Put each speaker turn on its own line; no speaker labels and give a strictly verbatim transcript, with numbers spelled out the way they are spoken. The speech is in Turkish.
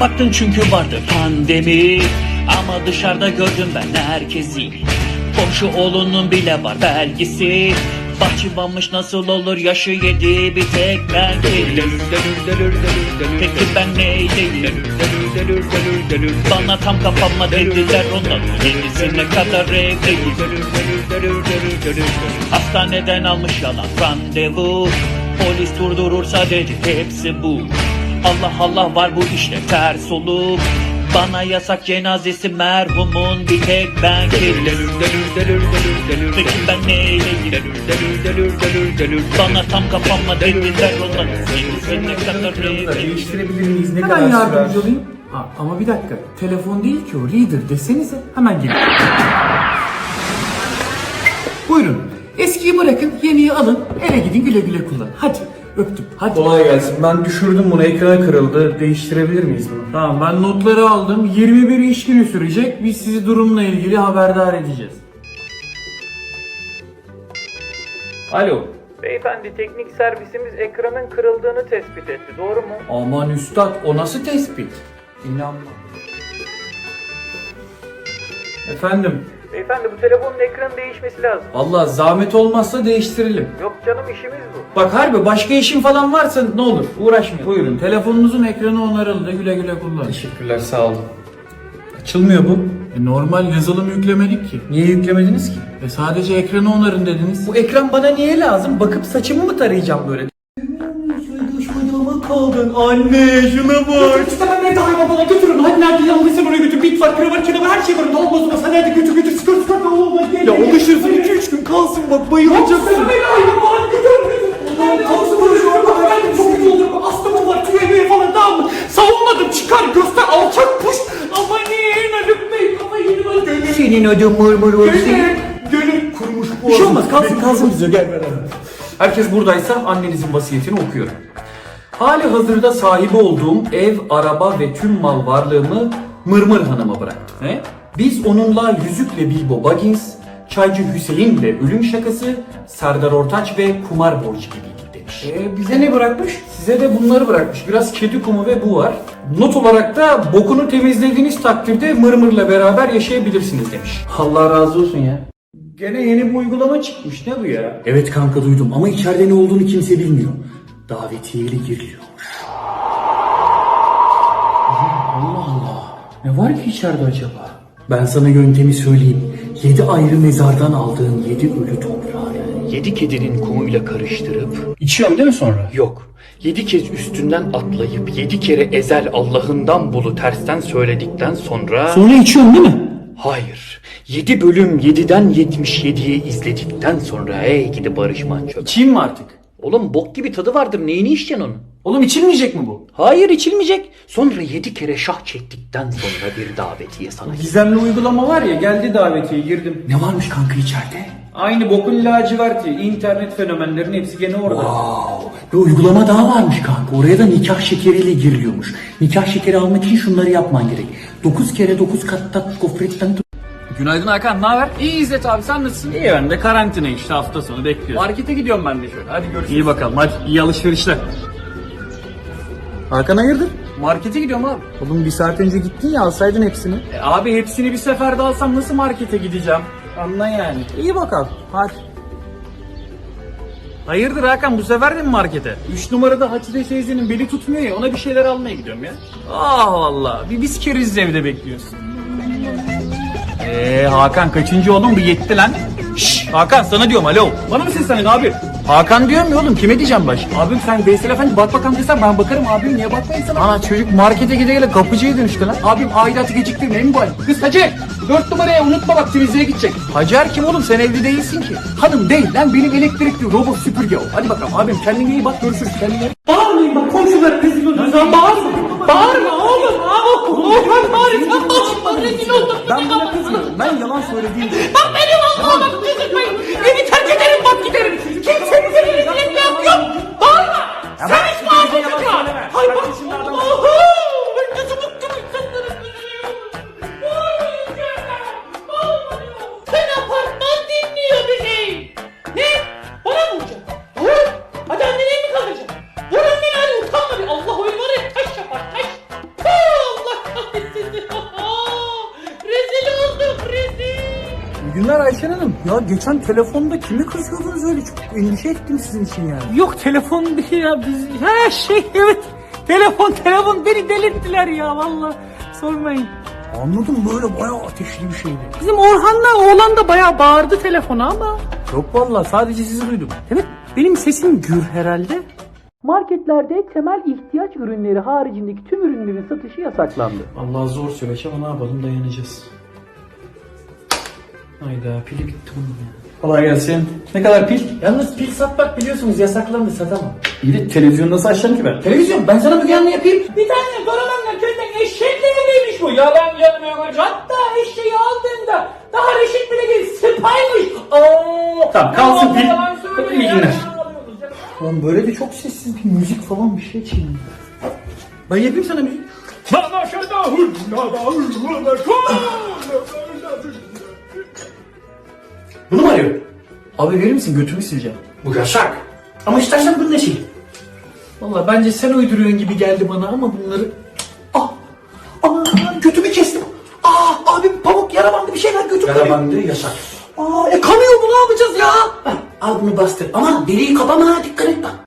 baktın çünkü vardı pandemi. Ama dışarıda gördüm ben herkesi. Komşu oğlunun bile var belgesi. Bahçıvanmış nasıl olur, yaşı yedi bir tek ben değilim. Peki ben neyleyim? Bana tam kafama dediler, onların yedisine kadar evliyim. Hastaneden almış yalan randevu. Polis durdurursa dedi hepsi bu. Allah Allah var bu işte ters olup. Bana yasak cenazesi merhumun bir tek ben değilim. Peki ben neyleyim? Bana tam kafama dediler, onların yedisine kadar evliyim.
Değiştirebilir miyiz? Ne
Hemen
kadar
yardımcı
sürer?
olayım. Ha, ama bir dakika. Telefon değil ki o. Reader desenize. Hemen gelin. Buyurun. Eskiyi bırakın, yeniyi alın. Eve gidin, güle güle kullanın. Hadi. Öptüm. Hadi.
Kolay gelsin. Ben düşürdüm bunu. Ekranı kırıldı. Değiştirebilir miyiz bunu?
Tamam, ben notları aldım. yirmi bir iş günü sürecek. Biz sizi durumla ilgili haberdar edeceğiz.
Alo.
Beyefendi, teknik servisimiz ekranın kırıldığını tespit etti. Doğru mu?
Aman üstad, o nasıl tespit? İnanmam. Efendim?
Beyefendi, bu telefonun ekranı değişmesi lazım.
Vallahi zahmet olmazsa değiştirelim.
Yok canım, işimiz bu.
Bak harbi başka işin falan varsa ne olur uğraşmayın. Buyurun, telefonunuzun ekranı onarıldı, güle güle kullanın.
Teşekkürler, sağ olun. Açılmıyor bu.
E, normal yazılım yüklemedik ki.
Niye yüklemediniz ki?
E, sadece ekranı onarın dediniz.
Bu ekran bana niye lazım? Bakıp saçımı mı tarayacağım böyle? Kaldın anne, şuna bak.
İstemem ne daima bana götürün. Hadi nerede yanlışsın oraya götür. Bit var, kravat, kenara her şey var. Ne olmaz olmaz. Hadi hadi götür götür. Sıkır sıkır. Ne olmaz.
Ya alışırsın, iki üç gün kalsın bak, bayılacaksın.
Sen beni aynı bana götür götür. Allah'ım kalsın konuşuyorum. Ben çok iyi olurum. Astımım var. Tüyemeyi falan tamam mı? Savunmadım. Çıkar göster. Alçak puş. Ama niye Haluk Bey? Kafayı yedi bana. Gönül.
Senin ödün mırmır olsun.
Gönül. Gönül kurumuş bu.
Bir şey olmaz, kalsın kalsın bize, gel beraber. Herkes buradaysa annenizin vasiyetini okuyorum. Hali hazırda sahibi olduğum ev, araba ve tüm mal varlığımı Mırmır Hanım'a bıraktım.
Ne?
Biz onunla Yüzükle Bilbo Baggins, Çaycı Hüseyin'le Ölüm Şakası, Serdar Ortaç ve Kumar Borcu gibiydik demiş.
E, bize ne bırakmış?
Size de bunları bırakmış. Biraz kedi kumu ve bu var. Not olarak da bokunu temizlediğiniz takdirde Mırmır'la beraber yaşayabilirsiniz demiş.
Allah razı olsun ya.
Gene yeni bir uygulama çıkmış. Ne bu ya?
Evet kanka, duydum ama içeride ne olduğunu kimse bilmiyor. Davetiyeli giriliyor. Allah Allah. Ne var ki içeride acaba? Ben sana yöntemi söyleyeyim. Yedi ayrı mezardan aldığın yedi ölü toprağı yedi kedinin kumuyla karıştırıp...
İçiyorum değil mi sonra?
Yok. Yedi kez üstünden atlayıp yedi kere ezel Allah'ından bulu tersten söyledikten sonra...
Sonra içiyorum değil mi?
Hayır. Yedi bölüm yediden yetmiş yediyi izledikten sonra ey gidi Barış Manço.
İçeyim mi artık?
Oğlum bok gibi tadı vardır, neyini içeceksin onu?
Oğlum içilmeyecek mi bu?
Hayır, içilmeyecek. Sonra yedi kere şah çektikten sonra bir davetiye sana.
Gizemli uygulama var ya, geldi davetiye, girdim.
Ne varmış kanka içeride?
Aynı bokun laciverti. İnternet fenomenlerin hepsi gene orada.
Wow. Bir uygulama daha varmış kanka. Oraya da nikah şekeriyle giriliyormuş. Nikah şekeri almak için şunları yapman gerek. Dokuz kere dokuz katta gofretten tut.
Günaydın Hakan, ne haber? İyi İzzet abi, sen nasılsın? İyi, ben de karantina işte, hafta sonu bekliyorum. Markete gidiyorum ben de şöyle, hadi görüşürüz. İyi bakalım, hadi iyi alışverişler.
Hakan hayırdır?
Markete gidiyorum abi.
Oğlum bir saat önce gittin ya, alsaydın hepsini.
E, abi hepsini bir seferde alsam nasıl markete gideceğim? Anla yani.
İyi bakalım, hadi.
Hayırdır Hakan, bu sefer de mi markete? Üç numarada Hatice teyzenin beli tutmuyor ya, ona bir şeyler almaya gidiyorum ya. Ah valla, bir biz keriz evde bekliyorsun. Eee Hakan kaçıncı oğlum, bir yetti lan. Şşş Hakan, sana diyorum, alo. Bana mı seslendin abi? Hakan diyorum ya oğlum, kime diyeceğim baş? Abim sen Veysel Efendi bak bakalım desen ben bakarım abim, niye bakmayın sana? Ana çocuk markete gide gele kapıcıya dönüştü lan. Abim aidatı geciktirmeyin mi bu halde? Kız Hacer, dört numaraya unutma bak, temizliğe gidecek. Hacer kim oğlum, sen evli değilsin ki. Hanım değil lan, benim elektrikli robot süpürge o. Hadi bakalım abim, kendine iyi bak, görüşürüz, kendine. Bağırmayın bak, komşular rezil olur. Sen bağırma. Bağırma oğlum. Oğlum bağırma. Bağırma, rezil oldum. Ben buna kızmıyorum. Ben yalan söylediğim için. Bak benim Allah'ıma bak, kızmayın. Evi terk ederim, bak giderim. Kimsenin seni rezil etmem yok. Bağırma. Sen hiç bağırma çocuğa. Hay bak Allah'ım. Ben nasıl bıktım insanların üzülüyorum. Bağırmayın çocuğa. Bağırmayın. Sen apartman dinliyor bir şey. Ne? Bana mı vuracaksın? Vur. Hadi anneni mi kalacaksın? Vur anneni, hadi utanma bir. Allah oyun var ya, taş yapar taş. Allah. Ayten Hanım ya geçen telefonda kimi kızıyordunuz öyle, çok endişe ettim sizin için yani.
Yok telefon değil ya biz. Ha şey evet. Telefon telefon beni delirttiler ya valla. Sormayın.
Anladım, böyle bayağı ateşli bir şeydi.
Bizim Orhan'la oğlan da bayağı bağırdı telefona ama.
Yok vallahi sadece sizi duydum.
Evet benim sesim gür herhalde. Marketlerde temel ihtiyaç ürünleri haricindeki tüm ürünlerin satışı yasaklandı.
Allah zor süreç ama ne yapalım, dayanacağız. Hayda, pili bitti bunun ya. Kolay gelsin. Ne kadar pil?
Yalnız pil satmak biliyorsunuz yasaklandı, satamam.
İyi de televizyonu nasıl açacağım ki ben?
Televizyon, ben sana Müge Anlı yapayım.
Bir tane Karaman'la köyden eşekle evliymiş bu. Yalan yanmıyor. Hatta eşeği aldığında daha reşit bile değil. Sıpaymış. Oo.
Tamam, kalsın pil.
Yalan söylüyor
İyi
ya.
günler. Lan böyle de çok sessiz bir müzik falan bir şey çalıyor. Ben yapayım sana müzik. Bunu mu arıyor? Abi verir misin, götümü sileceğim.
Bu yasak.
Ama istersen bunu ne sil? Valla bence sen uyduruyorsun gibi geldi bana ama bunları... Ah! Aman götümü kestim. Ah abi pamuk yara bandı bir şey ver, götüm kanıyor.
Yara bandı yasak.
Aa, e kanıyor, bu ne yapacağız ya?
Al bunu bastır. Aman deliği kapama, dikkat et bak.